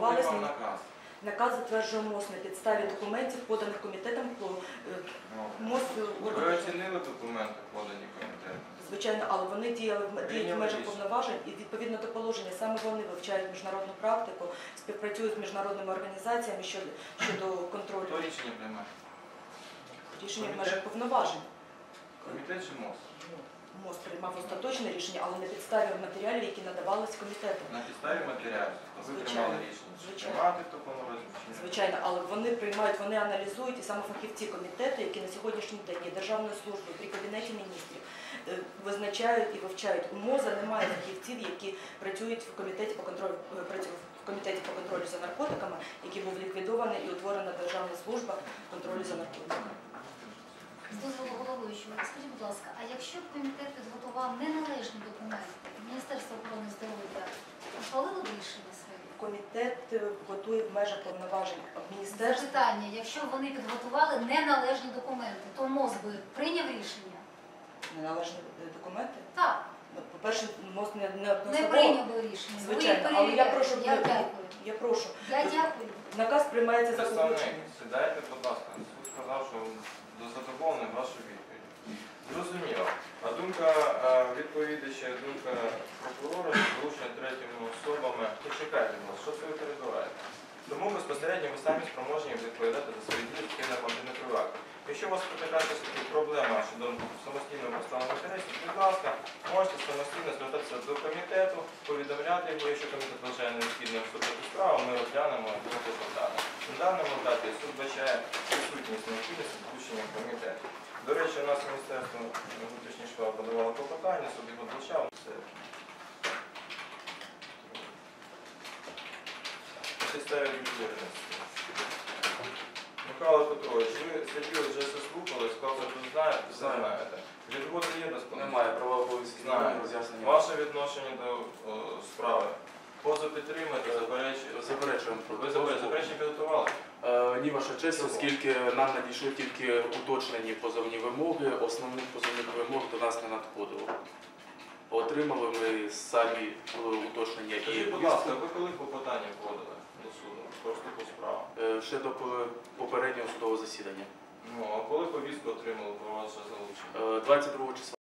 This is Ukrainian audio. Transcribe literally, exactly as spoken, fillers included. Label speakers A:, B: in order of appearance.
A: подавались.
B: наказ?
A: Наказ затверджує МОЗ на підставі документів, поданих комітетом. МОЗ...
B: Ви оцінили документи, подані комітетом?
A: Звичайно, але вони діяли в межах повноважень і відповідно до положення саме вони вивчають міжнародну практику, співпрацюють з міжнародними організаціями щодо, щодо контролю.
B: Хто рішення приймає?
A: Рішення в межах повноважень.
B: Комітет чи МОЗ?
A: МОЗ приймав остаточне рішення, але на підставі матеріалів, які надавались комітетом.
B: На підставі матеріалів? Ви приймали рішення?
A: Звичайно.
B: Приймати в такому розміщенні?
A: Звичайно, але вони приймають, вони аналізують, і саме фахівці комітету, які на сьогоднішній день є Державною службою при Кабінеті міністрів, визначають і вивчають. У МОЗа немає фахівців, які працюють в комітеті по контролю, в комітеті по контролю за наркотиками, який був ліквідований і утворена Державна служба контролю за наркотиками.
C: З дозволу головуючого, скажіть, будь ласка, а якщо б комітет підготував неналежні документи, Міністерство охорони здоров'я ухвалило б рішення своє?
A: Комітет готує в межах повноважень міністерства.
C: Запитання, якщо б вони підготували неналежні документи, то МОЗ би прийняв рішення?
A: Неналежні документи?
C: Так.
A: По-перше, МОЗ не
C: Не
A: одноособово.
C: прийняв би рішення.
A: Звичайно, але я прошу,
C: Я дякую.
A: я прошу.
C: Я дякую.
A: Наказ приймається за
B: Представник,
A: погодженням.
B: сідайте, будь ласка. Суд сказав, що задоволений вашу відповідь. Зрозуміло. А думка відповідача, думка прокурора, залучення третіми особами. Почекайте вас, що це ви перебуваєте? Тому безпосередньо ви самі спроможні відповідати за свої дії в нормативних актах. Якщо у вас така проблема щодо самостійного представлення інтересів, будь ласка, можете самостійно звертатися до комітету, повідомляти його, якщо комітет вважає необхідним вступити в справу, ми розглянемо його дане. На даному етапі суд вбачає відсутність необхідності включення в комітет. До речі, у нас Міністерство внутрішніх справ подавало клопотання, суд його вбачав. На підставі відповідальності. Михайло Петрович, ви сиділи, вже все слухали, сказали, що ви знаєте, все знаєте. Відводи є до справи?
D: Немає права обов'язків, немає роз'яснення.
B: Ваше відношення до о, справи? Поза підтримати, заперечуєте?
D: Заперечуємо.
B: Ви заперечення підготували?
D: Е, ні, ваша честь, оскільки нам надійшли тільки уточнені позовні вимоги, основних позовних вимог до нас не надходило. Отримали ми самі уточнення і...
B: Скажіть, будь ласка, ви коли клопотання вводили до суду? Просто по справу?
D: Е, ще до попереднього судового засідання.
B: Ну, а коли повістку отримали про ваше залучення?
D: Е, двадцять другого числа.